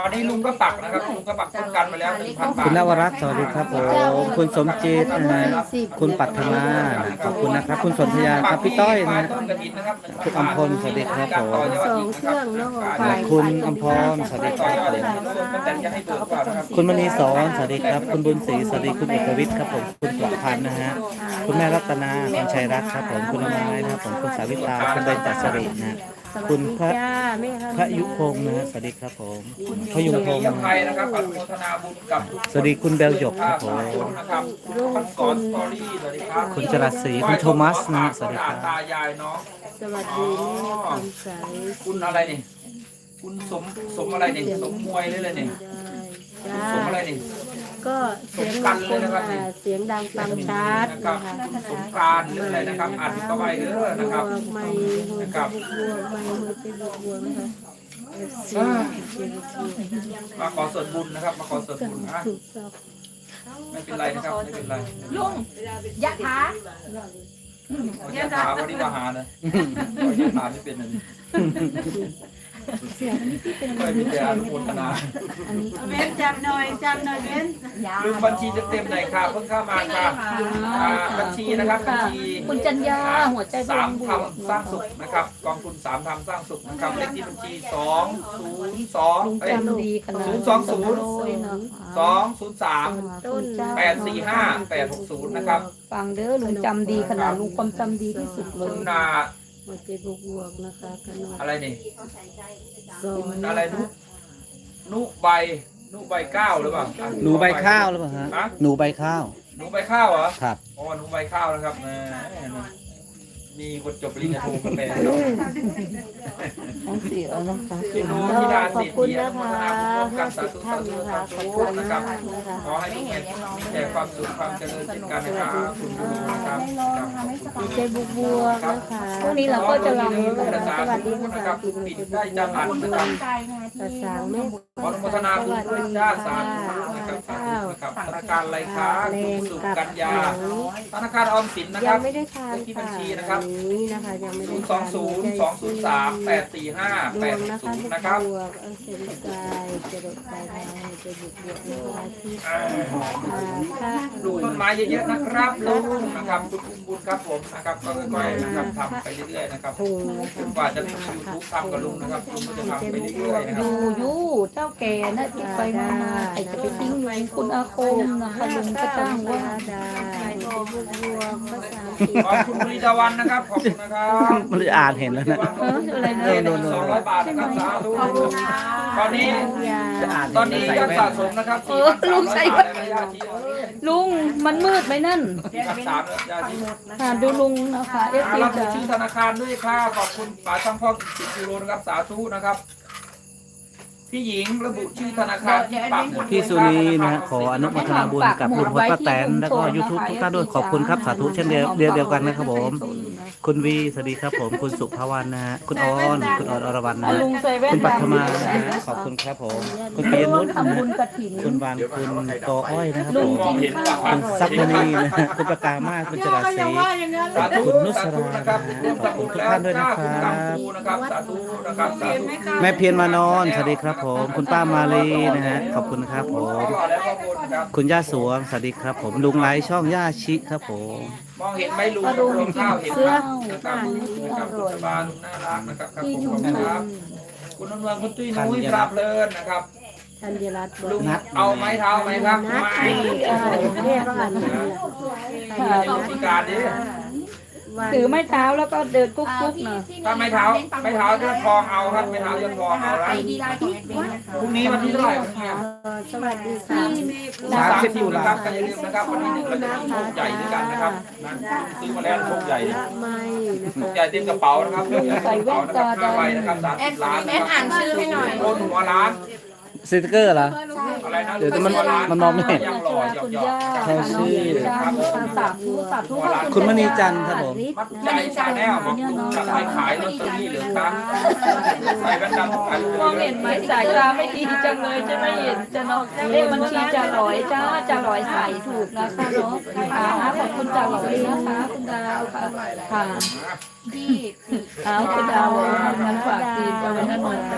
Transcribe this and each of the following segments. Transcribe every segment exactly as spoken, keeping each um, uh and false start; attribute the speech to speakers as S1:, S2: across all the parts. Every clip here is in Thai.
S1: วันนี้ลุงก็ปักนะครับลุงก็ปักต้นกันไปแล้วหนึ่งพันบาท
S2: คุณนวรัตน์สวัสดีครับผมคุณสมจิตนะฮะคุณปัทมาขอบคุณนะครับ คุณสนธยาครับพี่ต้อยนะฮะ
S1: ต้นกระถินนะครับ
S2: คุณอำพลสวัสดีครับผม
S3: สองเครื่องเนาะ
S2: คุณอำพรสวัสดีครับผม
S1: แต่จะให้เบิกก่อนนะครับ
S2: คุณมณีสอนสวัสดีครับ คุณบุญศรีสวัสดีคุณเอกวิทย์ครับผมคุณปลอดพันธ์นะฮะคุณแม่รัตนาคุณชัยรัตน์ครับผมคุณละไม้นะครับผมคุณสาวิตาคุณเบญจสิรินะฮะ
S3: สวัส
S2: คุณ
S3: ดี
S2: พระ
S3: จ้าแม่
S2: พระยุพงศ์นะฮะสวัสดีครับผมพยุงพงศ์
S1: ยั
S2: นะ
S1: งไง
S2: ฮะ
S1: นะครับอนุโมทนาบุญกับ
S2: สวัสดีคุณเบลหยกครับผม
S1: นะครับพันกรสตอรี่สวัสดีครับ
S2: คุณจรัสศรีคุณโทมัสนะฮะสวัสดีครับ
S1: ตายายน้อง
S3: สวัสดีแม่คำใส
S1: คุณอะไรนี่คุณสมสมอะไรนี่สมมวยเลยเลยนี่
S3: จ้า
S1: สมอะไรนี่
S3: ก็เสียงดังเสียงดังฟังชัด
S1: นะครับ
S3: นะคะ
S1: สงกรานต์หรืออะไรนะครับอ่านเข้าไปเด้อนะครับ
S3: บวกไม่หัว
S1: นะค
S3: จะ
S1: รับ
S3: บวกไม่หัวจะบวกบวกนะคะ
S1: อ่ามาขอส่วนบุญนะครับ มาขอส่วนบุญนะ
S3: ถูกต้อง
S1: ไม่เป็นไรนะครับไม่เป็นไร
S4: ลุงยะถา
S1: อย่าถามวันนี้มาหานะอย่าถามไม่เป็นเลย
S3: เสียงนี่พี่เป็น
S1: ไม่เป็นอนุโมทนา
S3: อันนี้
S4: เบนจำหน่อยจำหน่อยเบน
S1: ลืมบัญชีเต็มๆหน่อยค่ะเพิ่งเข้ามาค่ะอ่าบัญชีนะครับบัญชี
S4: คุณจัญญาหัวใจ
S1: สามทำสร้างสุขนะครับกองทุนสามทำสร้างสุขนะครับเลขที่บัญชีสองศูนย์สอง
S3: ลุง
S1: เอ้ย
S3: จำดีขนาด
S1: ศูนย์สองศูนย์ สองศูนย์สาม
S3: ต้น
S1: แปดสี่ห้าแปดหกศูนย์นะครับ
S4: ฟังเด้อลุงจำดีขนาดลุงความจำดีที่สุดเล
S1: คุ
S4: ย
S1: ณนา
S3: หัวใจบวกบวกนะคะขนาด
S1: อะไรนี่
S3: สอง
S1: อะไรนุนุใบนุใบข้าวหรือเปล่า
S2: หนูใบข้าวหรือเปล่าฮะ
S1: ฮะ
S2: หนูใบข้าว
S1: หนูใบข้าวเหรอ
S2: ครับ
S1: อ๋อหนูใบข้าวนะครับแหมมีคนจบปริญญาโทกันไป
S4: ต้องเสียนะคะ
S1: พี่น้อง
S3: ก็
S1: ที่ดา
S3: ขอ
S1: สิ
S3: บ
S1: ท
S3: คุณ
S1: ธิ์
S3: นะคะ
S1: กั
S3: ห้าน
S1: สา
S3: สิบ
S1: ธุ
S3: ท่า
S1: สาน ธุ
S3: นะคะ
S1: สา
S3: ขอบ
S1: ธุ
S3: คุณ
S1: นะค
S3: มา
S1: รับ
S3: กนะคะ
S1: ขอให้มีแต่ความสุขความเจริญเช่นกันนะครับคุณดูนะครับ
S3: หัวใจบวกบวกนะคะ
S4: พรุ่งนี้เราก็จะลอง
S3: สวัสดีภาษา
S1: นะครั
S3: อั
S1: บ
S3: งกฤษ
S1: ปิดได้จังหันนะครับ
S3: ภาษาแม่
S1: ขออนุโมทนาบุญด้วยจ้าสาธุนะครับสาธุนะครับธนาคารอะไรคะ
S3: แร
S1: คุณ
S3: ง
S1: สุ
S3: กับ
S1: กัญญา
S3: หนู
S1: ธนาคารออมสินนะค
S3: ยั
S1: รั
S3: ง
S1: บ
S3: ไม่ได้ทาน
S1: เลขที่บั
S3: ค่ะ
S1: ญชีนะครับ
S3: อันนี้นะคะยังไม่
S1: ศู
S3: ได้
S1: นย์ส
S3: ทา
S1: อง
S3: น
S1: ศูนย์สองศูนย์สามแปดสี่ห้า
S3: ด
S1: แป
S3: ว
S1: ด
S3: ง
S1: ห
S3: นะ
S1: ก
S3: คะ
S1: ศูนย์
S3: บ
S1: นะครับ
S3: วกเออเซนกายจะดกไปได้จะบวกบวกนะคะที่
S1: อ่า
S3: อ่าค่ะ
S1: ปลูกต้นไม้เยอะๆนะครับลุงนะครับคุณอุ้มบุญครับผมนะครับก็ค่อยๆนะครับทำไปเรื่อยๆนะครับ
S3: ถุงนะ
S1: จ
S3: คะ
S1: นกว่าจะมียูทูบทำกับลุงนะครับลุงก็จะทำไปเรื่อยๆนะค
S4: อ
S1: รับ
S4: ยู่อยู่เจ้าแก่นะที่ไปมามาไอ้จะไปทิ้งอยู่คุณอาคมนะคะลุงก็จ้างว่า
S3: ได้หัวใจบวกบวกภาษาอังกฤษ
S1: ขอบคุณบริจาวันนะครับขอบคุณนะครับ
S2: มันจะอ่านเห็นแล้วนะ
S4: เอออะไร
S1: เอ
S4: นะ
S1: อสองร้อยบาทนะครับสาธุตอนนี้
S3: ยา
S2: จะอ่าน
S1: ตอนนี้ยอดสะสมนะครับ
S4: เออลุงใส่
S1: บาทในระยะที่
S4: ลุงมันมืดไหมนั่น
S1: สามระยะที่
S4: ค่ะดูลุงนะคะเอฟซี
S1: รับ
S4: จ๋า
S1: ชื่อธนาคารด้วยค่ะขอบคุณป๋าช่างพ่อสิบยูโรนะครับสาธุนะครับพี่หญิงระบุชื่อธนาคารที่ปักหมุด
S2: พี่สุนีนะฮะขออนุโมทนาบุญกับลุงพลป้าแตนแล้วก็ยูทูบทุกท่านด้วยขอบคุณครับสาธุเช่นเดียวเดียวเดียวกันนะครับผม คุณวีสวัสดีครับผมคุณสุภาวรรณนะฮะคุณออนคุณออนอรวรรณนะ
S4: เอา
S2: ฮะ
S4: ลุงใส่แว่น
S2: คุณปัทมา
S4: ดำ
S2: นะฮะขอบคุณครับผม คุณปียนุชนะ
S4: ทำบุ
S2: ฮะ
S4: ญกระถิ่น
S2: คุณวานคุณกออ้อยนะครับ
S4: ลุ
S2: ผ
S4: ง
S2: ม
S4: กินข้าวอ
S2: คุณ
S4: ร่อย
S2: ซับมณีนะฮะคุณประกามาศคุณจรัสศรี
S1: สาธุ
S2: คุณนุสรา
S1: สาธุนะครับ
S2: นะฮะขอบคุณทุกท่านด้วยนะครับ
S1: คุณกัมพูนะครับสาธุนะครับสาธุ
S2: แม่เพียรมานอนสวัสดีครับผม คุณป้ามาลีนะฮะขอบคุณครับผม
S1: ก็แล้วก็บนครับ
S2: คุณย่าสวงสวัสดีครับผมลุงไลฟ์ช่องย่าชิครับผม
S1: มองเห็นไหมลุง
S4: ก็ลุง
S1: รวมข้าวเห็น
S4: เสื้อ
S1: นะครับ
S4: ที่
S1: นะครับ
S4: อ
S1: คุ
S4: ร่
S1: ณ
S4: อย
S1: สบาลุงน่ารักนะครับครับ
S4: ที่
S1: ขอบ
S4: อยู่
S1: คุณนะครับคุณนวลคุณตุ้ยนุ้ยปราบเพลินนะครับ
S3: ธัญรัตน์บอ
S1: ลุ
S3: ก
S1: งเอาไม้เท้าไหมครับ
S3: นัด
S1: ไม่
S3: เรียกว่าอะไร
S1: เอาพิการดิ
S4: ถือไม้เท้าแล้วก็เดินกุ๊กกุ๊กๆหน่อย
S1: ถ้าไม้เท้าไม้เท้าเลื่อนทองเอาครับไม้เท้าเลื่อนทองเอาละพรุ่งนี้วันที่เท่าไหร่วันนี้
S3: สวัสดีค่ะ
S1: สามสิบอยู่นะครับก็อย่าลืมนะครับวันนี้เราจะมีโชคใหญ่ด้วยกันนะครับนะซื้อมาแล้วโชคใหญ่
S3: ละไม่นะ
S1: โช
S3: คะ
S1: คใหญ่เต็มกระเป๋านะครับใส่แว่นตาห้าใบนะครับสามสิบล้านนะครับ
S4: อ่านชื่อให้หน่อย
S1: โอนหัวล้าน
S2: สติ๊กเกอร์เหรอ
S1: อะไรนะ
S2: เดี๋ยวมันมันมองไม่เห็น
S1: ยังหล่อหยอก
S4: คุณ
S1: หยอก
S4: ย่า
S2: ใช่ชื่อ
S4: ครับสาธุสาธุขอบ
S2: คุณมณีจันทร์ครับผม
S1: มัดใจชาแนลบอกลุงจะไปขายลอตเตอรี่เหรือครับใส่แว่นดำขายลอตเตอ
S4: มอง
S1: รี่
S4: เห็นไหมสายตาไม่ดีจังเลยจะไม่เห็นจะเนาะเลขบัญชีจะร้อยจ้าจะร้อยใส่ถูกนะคะเนาะอ่าขอบคุณจะร้อยนะคะคุณดาวค่ะค่ะ
S5: ที่
S4: เอาคุณดาวงั้นฝากตีนเอาไว้นั่นหน่อย
S1: นะครับนะครับ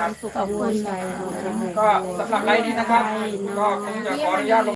S3: ความสุขความสบาย
S1: ก็สำหรับไลน์นี้นะครับ ก็คงจะขออนุญาตลง